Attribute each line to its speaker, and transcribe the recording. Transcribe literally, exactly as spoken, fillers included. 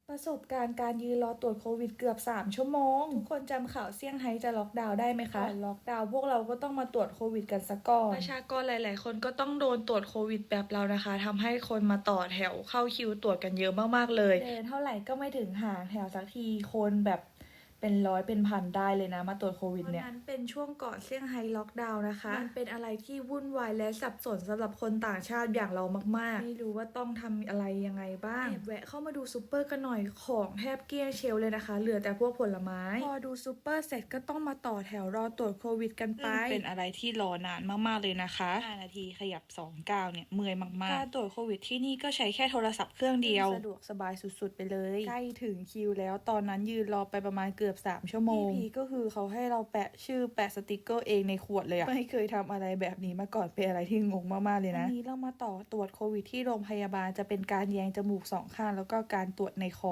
Speaker 1: ประสบการณ์การยืนรอตรวจโควิดเกือบสามชั่วโมงทุกคนจำข่าวเซี่ยงไฮ้จะล็อกดาวน์ได้ไหมคะก่อนล็อกดาวน์พวกเราก็ต้องมาตรวจโควิดกันซะก่อนประชากรหลาย ๆ คนก็ต้องโดนตรวจโควิดแบบเรานะคะทำให้คนมาต่อแถวเข้าคิวตรวจกันเยอะมากๆเลยเดินเท่าไหร่ก็ไม่ถึงหาแถวสักทีคนแบบเป็นร้อยเป็นพันได้เลยนะมาตรวจโควิดเนี่ยตอนนั้นเป็นช่วงก่อนเซี่ยงไฮ้ล็อกดาวน์นะคะมันเป็นอะไรที่วุ่นวายและสับสนสำหรับคนต่างชาติอย่างเรามากๆไม่รู้ว่าต้องทำอะไรยังไงบ้างแอบแวะเข้ามาดูซูเปอร์กันหน่อยของแทบเกลี้ยงเชลฟ์เลยนะคะเหลือแต่พวกผลไม้พอดูซูเปอร์เสร็จก็ต้องมาต่อแถวรอตรวจโควิดกันไปเป็นอะไรที่รอนานมากๆเลยนะคะห้านาทีขยับสองก้าวเนี่ยเมื่อยมากๆการตรวจโควิดที่นี่ก็ใช้แค่โทรศัพท์เครื่องเดียวสะดวกสบายสุดๆไปเลยใกล้ถึงคิวแล้วตอนนั้นยืนรอไปประมาณเกือบสามชั่วโมงพีก็คือเขาให้เราแปะชื่อแปะสติกเกอร์เองในขวดเลยอะไม่เคยทำอะไรแบบนี้มาก่อนเป็นอะไรที่งงมากๆเลยนะวันนี้เรามาต่อตรวจโควิดที่โรงพยาบาลจะเป็นการแยงจมูกสองข้างแล้วก็การตรวจในคอ